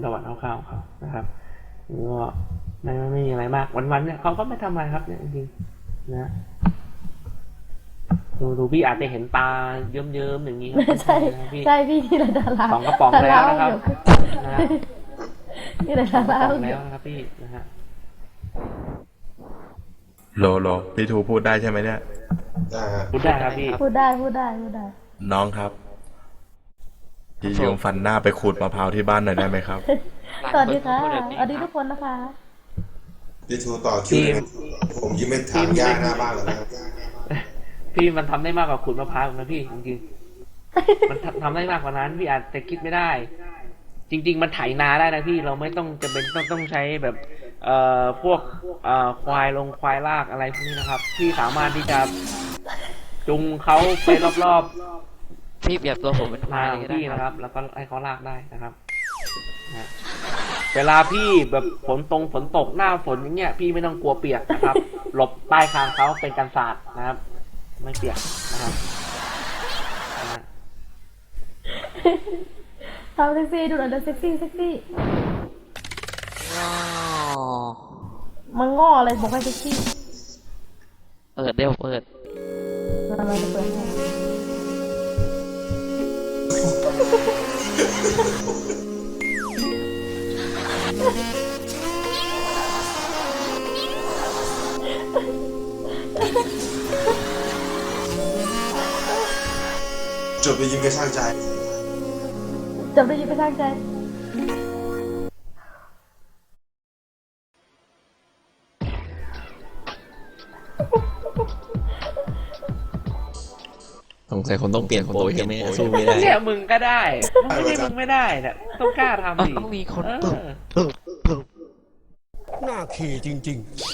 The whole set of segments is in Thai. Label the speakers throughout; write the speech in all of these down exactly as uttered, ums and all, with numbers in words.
Speaker 1: ประวัติคร่าวๆเขานะครับก็ไม่ไม่ไม่มีอะไรมากวันๆเนี่ยเขาก็ไม่ทำอะไรครับเนี่ยจริงๆนะดูดูพี่อาจจะเห็นตาเยิ้มๆอย่างนี้ครับ
Speaker 2: ใช่
Speaker 1: นะพี่
Speaker 2: ใช่พี่นี่แหละดารา
Speaker 1: สองกระป๋องแล้วนะครับนะฮะ
Speaker 2: นี่แหละ
Speaker 1: สอ
Speaker 2: ดาง
Speaker 1: กระ
Speaker 2: รา
Speaker 1: ป๋องแล้วนะครับพี่นะฮะ
Speaker 3: โลโลพี่ทูพูดได้ใช่ไหมเนี่ย
Speaker 4: ได้ฮะ
Speaker 1: พูดได้ครับพี่
Speaker 2: พูดได้พูดได้พูดได้
Speaker 3: น้องครับพี่ยืมฟันหน้าไปขูดมะพร้าวที่บ้านหน่อยได้ไหมครับ
Speaker 2: สวัสดีค่ะสวัสดีทุกคนนะคะ
Speaker 4: พี่ทูต่อคิวเลยนะผมยิ้มไม่ถางหญ้าหน้าบ้านแล้วนะครับ
Speaker 1: พี่มันทำได้มากกว่าขูดมะพร้าวนะพี่จริงๆมันทำทำได้มากกว่านั้นพี่อาจจะคิดไม่ได้ จริง ๆ มันไถนาได้นะพี่เราไม่ต้องจะเป็นต้องต้องใช้แบบ เอ่อพวกเอ่อควายลงควายลากอะไรพวกนี้นะครับพี่สามารถที่จะจูงเขาไปรอบๆ
Speaker 5: พี่เปรียบตัวผมเป็นควา
Speaker 1: ทาย ง
Speaker 5: เลยก็ได้
Speaker 1: พี่
Speaker 5: ค
Speaker 1: นะค
Speaker 5: รั
Speaker 1: รับ บ แล้วก็ให้เขาลากได้นะครับนะเวลาพี่แบบฝนตรงฝนตกหน้าฝนอย่างเงี้ยพี่ไม่ต้องกลัวเปียกนะครับ หลบใต้คางเขาเป็นกันศาสตร์นะครับ ไม่เปียกนะครับนะ
Speaker 2: ทำเซ็กซี่ดูหน่อยเดี๋ยวเซ็กซี่เซ็กซี่
Speaker 5: อ๋อ
Speaker 2: มันง้ออะไรบอกให้เซ็กซี่
Speaker 5: เปิดเดี๋ยวเปิด
Speaker 2: เราจะเปิดให้
Speaker 4: จบไปยิ้มกระช่างใจ
Speaker 2: จบได้ยินไปทางใจ
Speaker 6: สงสัยคนต้องเปลี่ยนโปรใช่ไหมสู้ไม่ได้
Speaker 1: เนี่ยมึงก็ได้ไม่ใช่มึงไม่ได้เนี่ยต้องกล้าทำดิ
Speaker 5: ต้องมีคน
Speaker 1: เอ
Speaker 5: ปึ้ง
Speaker 1: อ
Speaker 7: หน้าขี่จริง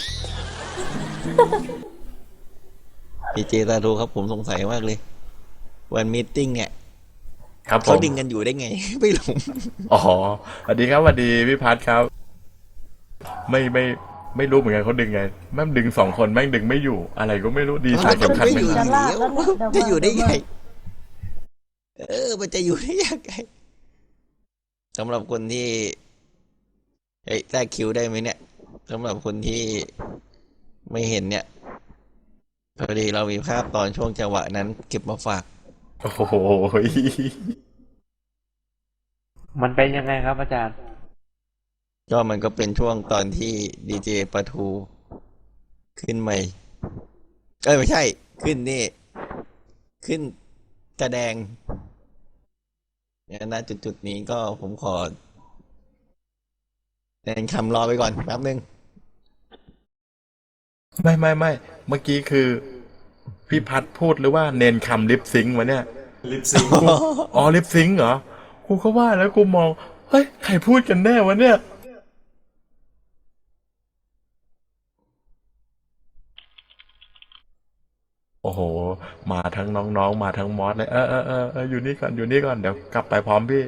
Speaker 6: ดีเจตาดูครับผมสงสัยมากเลย วันมีตติ้งเนี่ย
Speaker 3: ครับผ
Speaker 6: เขา
Speaker 3: ม
Speaker 6: ดึงกันอยู่ได้ไง ไม่รู้
Speaker 3: อ๋อสวัสดีครับสวัสดีพี่พัทครับ ไม่ไม่ไม่รู้เหมือนกันเขาดึงไงแม่งดึงสองคนแม่งดึงไม่อยู่ อะไรก็ไม่รู้ดีสาย
Speaker 6: มัน
Speaker 3: สำคัญ
Speaker 6: ไม่
Speaker 3: ไหม
Speaker 6: อยู่
Speaker 3: ค
Speaker 6: อ
Speaker 3: รับ
Speaker 6: ยู่แล้วจะอยู่ได้ไง เออ มันจะอยู่ได้ยังไงสำหรับคนที่เฮ้ยแทรกคิวได้ไหมเนี่ยสำหรับคนที่ไม่เห็นเนี่ยพอดีเรามีภาพตอนช่วงจังหวะนั้นเก็บมาฝาก
Speaker 3: โอ้โห
Speaker 1: มันเป็นยังไงครับอาจารย์
Speaker 6: ก็มันก็เป็นช่วงตอนที่ดีเจปะทูขึ้นใหม่เอ้ยไม่ใช่ ขึ้นนี่ ขึ้นแสดงเนี่ยนะจุดๆนี้ก็ผมขอเน้นคำรอไปก่อนแป๊บนึง
Speaker 3: ไม่ไม่ไม่เมื่อกี้คือ พี่พัทพูดหรือว่าเนนคำลิปซิงค์วะเนี่ย
Speaker 4: ลิปซิงค์
Speaker 3: กูอ๋อลิปซิงค์เหรอกูก็ว่าแล้วกูมองเฮ้ยใครพูดกันแน่วะเนี่ย โอ้โห มาทั้งน้องๆ มาทั้งมอสเลยเออเออเออเอออยู่นี่ก่อนอยู่นี่ก่อนเดี๋ยวกลับไปพร้อมพี่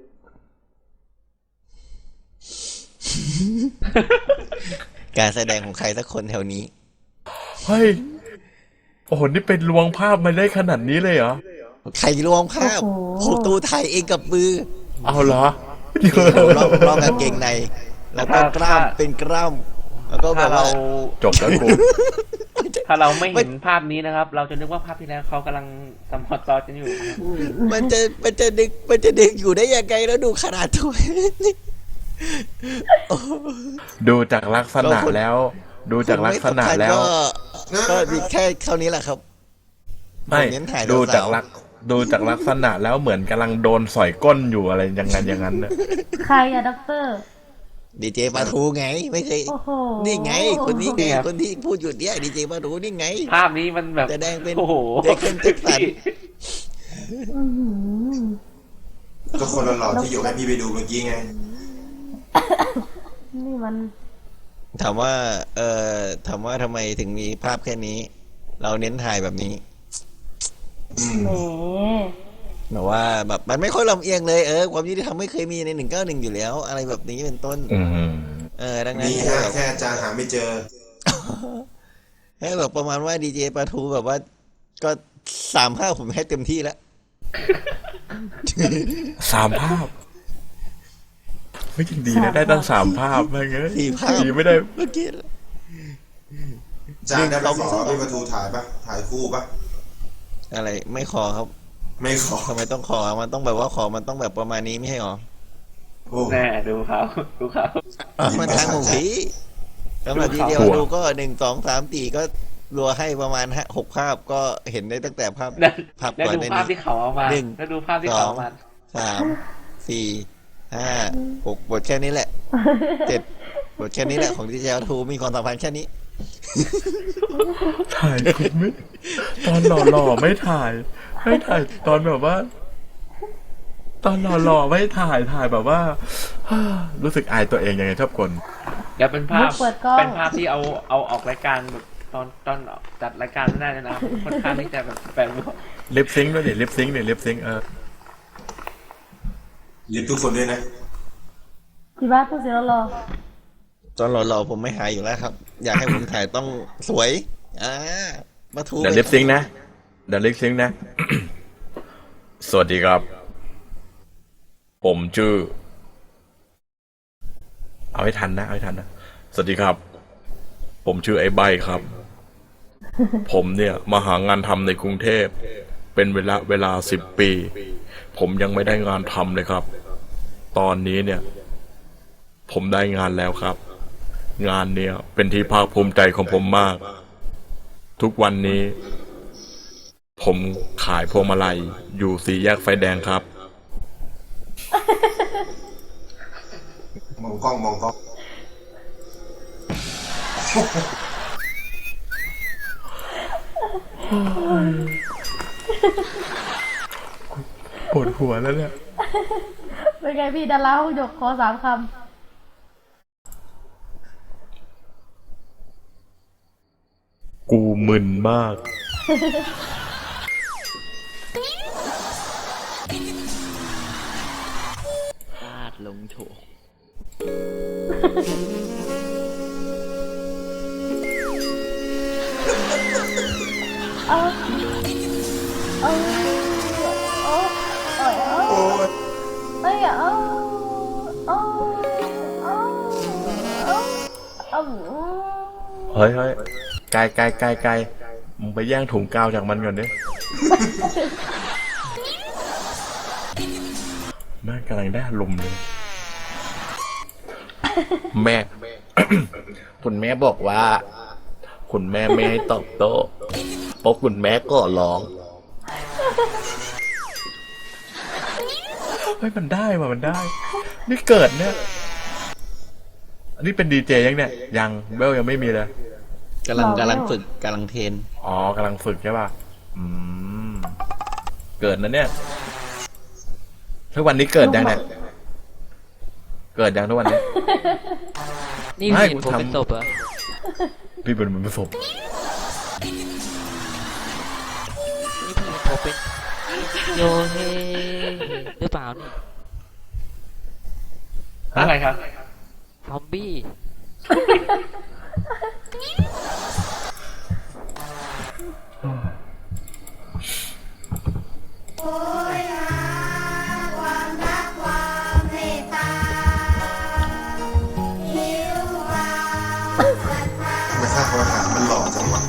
Speaker 6: การแสดงของใครสักคนแถวนี้
Speaker 3: เฮ้ย โอ้โห นี่เป็นลวงภาพมาได้ขนาดนี้เลยเหรอ
Speaker 6: ใครรวมภาพผมตูถ่ายเองกับมือ
Speaker 3: เอาเหรอ
Speaker 6: ลองลองกางเกงใน แล้วก็กล้ามเป็นกล้ามแล้วก็แบ
Speaker 1: ถ้า
Speaker 6: บ
Speaker 1: เรา
Speaker 6: ว่า
Speaker 3: จบแล้วกู
Speaker 1: ถ้าเราไม่เห็นภาพนี้นะครับ เราจะนึกว่าภาพที่แล้วเขากำลังสมอตอกันอยู่นะครับ
Speaker 6: มันจะมันจะดึกมันจะดึกอยู่ได้ยังไงแล้วดูขนาดตัวนี่
Speaker 3: ดูจากลักษณะแล้ว ดูจากลักษณะแล้ว
Speaker 6: ก็ก็มีแค่เท่านี้แหละครับ
Speaker 3: ไม่
Speaker 6: ผมเน้นถ่าย
Speaker 3: ดูจาก
Speaker 6: สาวๆ
Speaker 3: ลักดูจากลักษณะแล้วเหมือนกำลังโดนสอยก้นอยู่อะไรอย่างนั้นอย่างนั้นเนี่ย
Speaker 2: ใครอะด็อกเตอร์
Speaker 6: ดีเจปาทูไง ไม่ใช่
Speaker 2: โอ้โห
Speaker 6: นี่ไง คนนี้ไง
Speaker 1: เนี่ย
Speaker 6: คนที่พูดอยู่เนี่ยดีเจปาทูนี่ไง
Speaker 1: ภาพนี้มันแบบ
Speaker 6: แสดงเป็น
Speaker 1: โอ้โห
Speaker 6: เด็กเป็นเจ็กสัน
Speaker 2: อื้อหือ
Speaker 4: ก็คนหล่อๆที่อยู่ให้พี่ไปดูเมื่อกี้ไง
Speaker 2: นี่มัน
Speaker 6: ถามว่า เอ่อถามว่าทำไมถึงมีภาพแค่นี้ เราเน้นถ่ายแบบนี้
Speaker 4: อืม
Speaker 2: แหม
Speaker 6: แบบว่าแบบมันไม่ค่อยลำเอียงเลยเออความยุติธรรมไม่เคยมีในหนึ่งเก้าหนึ่งอยู่แล้ว อะไรแบบนี้เป็นต้น
Speaker 3: อืม
Speaker 6: เออดังนั้น
Speaker 4: มี
Speaker 6: แค่
Speaker 4: ฮะ
Speaker 6: แบบ
Speaker 4: แค่อาจารย์หาไม่เจอ
Speaker 6: ให้แบบประมาณว่าดีเจปาทูแบบว่า ก็สามภาพผมให้เต็มที่แล้ว
Speaker 3: สามภาพไม่จริงดีนะได้ตั้งสามภาพแม่งเอ้ย
Speaker 6: สี่ภาพ
Speaker 3: ดีไม่ได้
Speaker 6: เมื่อกี้
Speaker 4: จานได้ไปขอ
Speaker 6: หนึ่งสอง
Speaker 4: พี่ประทูถ่ายปะถ่ายคู่ปะ
Speaker 6: อะไรไม่ขอครับ
Speaker 4: ไม่ขอ
Speaker 6: ทำไมต้องขอมันต้องแบบว่าขอมันต้องแบบประมาณนี้ไม่ใช่หรอ
Speaker 4: โอ้
Speaker 1: แน่ดูเขาดูเขา
Speaker 6: มันทางหมูผีสำหรับทีเดียว
Speaker 3: หัว
Speaker 6: ดูก็หนึ่งสองสามสี่ก็รัวให้ประมาณห้าหกภาพก็เห็นได้ตั้งแต่ภาพ
Speaker 1: แล้ว
Speaker 6: ภาพ
Speaker 1: แล้ว
Speaker 6: ก่อน
Speaker 1: ดู
Speaker 6: ใน
Speaker 1: ภาพ
Speaker 6: นี้
Speaker 1: ที่เขาเอามา
Speaker 6: หนึ่ง
Speaker 1: แล้วดูภาพที่เขาเอามา
Speaker 6: สามสี่ห้าหกบทแค่นี้แหละเจ็ดบทแค่นี้แหละของดีเจทูมีความสัมพันธ์แค่นี้
Speaker 3: ถ่ายคุณไม่ตอนหล่อๆไม่ถ่าย ไม่ถ่ายตอนแบบว่า ตอนหล่อๆไม่ถ่ายถ่ายแบบว่า รู้สึกอายตัวเองยังไงชอบคน
Speaker 1: เดี๋ยวเป็นภาพ
Speaker 2: เปิดกล้อง
Speaker 1: เป็นภาพที่เอาเอาออกรายการแบบตอนตอนจัดรายการไม่ได้เลยนะค่อนข้างที่จะแบบแปลกๆ
Speaker 3: ลิปซิงค์ด้วยดิลิปซิงค์ดิลิปซิงค์เออ
Speaker 4: ลิฟทุกคนด้วยนะ
Speaker 2: พี่บ้านพูดเสียงรอ
Speaker 6: ตอนหล่อๆผมไม่หายอยู่แล้วครับ อยากให้ผมถ่ายต้องสวยอ่ามาทู
Speaker 3: เดี๋ยวลิปซิงค์นะเดี๋ยวลิปซิงค์นะ สวัสดีครับ ผมชื่อ เอาให้ทันนะเอาให้ทันนะสวัสดีครับ ผมชื่อไอ้ใบครับ ผมเนี่ยมาหางานทำในกรุงเทพเป็นเวลาเวลาสิบปี ผมยังไม่ได้งานทำเลยครับ ตอนนี้เนี่ย ผมได้งานแล้วครับ งานเนี่ยเป็นที่ภาคภูมิใจของผมมาก ทุกวันนี้ ผมขายพวงมาลัยอยู่สี่แยกไฟแดงครับ
Speaker 4: มองกล้องมองกล้อง
Speaker 3: ปวดหัวแล้วเนี่ย
Speaker 2: ๆเป็นไงพี่ดาราห้องหยกขอสามค
Speaker 3: กูมึนมาก
Speaker 5: พลาดลงโถ
Speaker 2: ำเอาเอาเอาเอาเอา
Speaker 4: โอ้ย
Speaker 2: เอ้ยเอาเอาเอาเอาเอา
Speaker 3: เฮ้ยเฮ้ยไกลไกลไกลไกลมึงไปแย่งถุงกาวจากมันก่อนดิ แม่งกำลังได้อารมณ์เลย แม่ คุณแม่บอกว่า คุณแม่ไม่ให้ตอบโต้เพราะคุณแม่ก็ร้องเฮ้ยมันได้ว่ะมันได้ นี่เกิดเนี่ย อันนี้เป็นดีเจยังเนี่ย ยังเบลยังไม่มีเลย
Speaker 6: กำลังกำลังฝึกกำลังเทรน
Speaker 3: อ๋อกำลังฝึกใช่ป่ะ อืม เกิดนะเนี่ย ทุกวันนี้เกิดยังเนี่ย เกิดยังทุกวันนี้
Speaker 5: นี่
Speaker 3: ไม่
Speaker 5: เห็น
Speaker 3: กู
Speaker 5: ผม
Speaker 3: ทำ
Speaker 5: เป็นศพเหรอ
Speaker 3: พี่เป็นเหมือนผสม
Speaker 5: นี่พี่เห็นผมเป็นโยเฮหรือเปล่านี่
Speaker 1: อะไรครับ
Speaker 5: ซอมบี้
Speaker 4: ทำไมข้าเขาถามมันหล่อจังวะ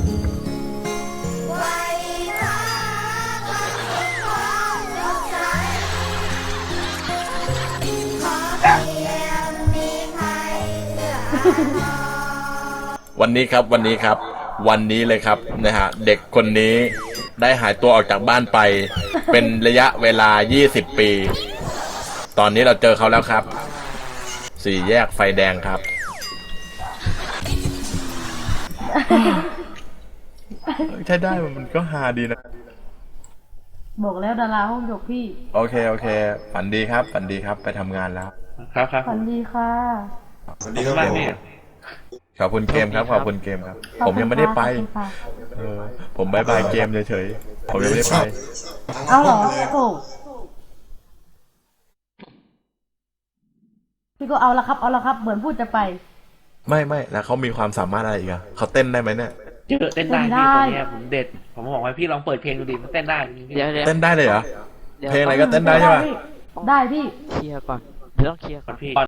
Speaker 3: วันนี้ครับ วันนี้ครับ วันนี้เลยครับนะฮะ เด็กคนนี้ได้หายตัวออกจากบ้านไป เป็นระยะเวลา ยี่สิบ ปี ตอนนี้เราเจอเขาแล้วครับ สี่แยกไฟแดงครับ ใช่ได้มันก็ฮาดีนะ
Speaker 2: บอกแล้วดาราห้องหยกพี่
Speaker 3: โอเค โอเค ฝันดีครับ ฝันดีครับ ไปทำงานแล้ว
Speaker 1: ครับครับ
Speaker 2: ฝันดีค่ะ
Speaker 4: สวัสดีครับ
Speaker 1: มาก
Speaker 4: ผม
Speaker 1: พี่
Speaker 3: ขอบคุณเกมครับ ขอบคุณเกมครับ ผมยังไม่ได้ไป
Speaker 2: ขอบคุณค่ะ
Speaker 3: เออ ผมบายบายเกมเฉยๆ ผมยังไม่ได้ไป
Speaker 2: เอาเหรอโอ้พี่ก็เอาละครับ เอาละครับ เหมือนพูดจะไป
Speaker 3: ไม่ไม่แล้วเขามีความสามารถอะไรอีกอะเขาเต้นได้ไหมเนี่ย
Speaker 1: เจอเต้นได้
Speaker 2: เต้นได้
Speaker 1: พี่ตัวเนี้ยผมเด็ด ผมบอกว่าพี่ลองเปิดเพลงดูดิมันเต้นได้จริงๆพี่
Speaker 5: เดี๋ยวเดี๋ยว
Speaker 3: เต้นได้เลยเหรอ
Speaker 5: เดี๋ยว
Speaker 3: เพลงอะไรก็เต้นได้ใช่ปะ
Speaker 2: ได้พี่
Speaker 5: เคลียร์ก่อนเดี๋ยวต้องเคลียร์
Speaker 1: ก่
Speaker 5: ก่
Speaker 1: อ
Speaker 5: อน น
Speaker 1: พี่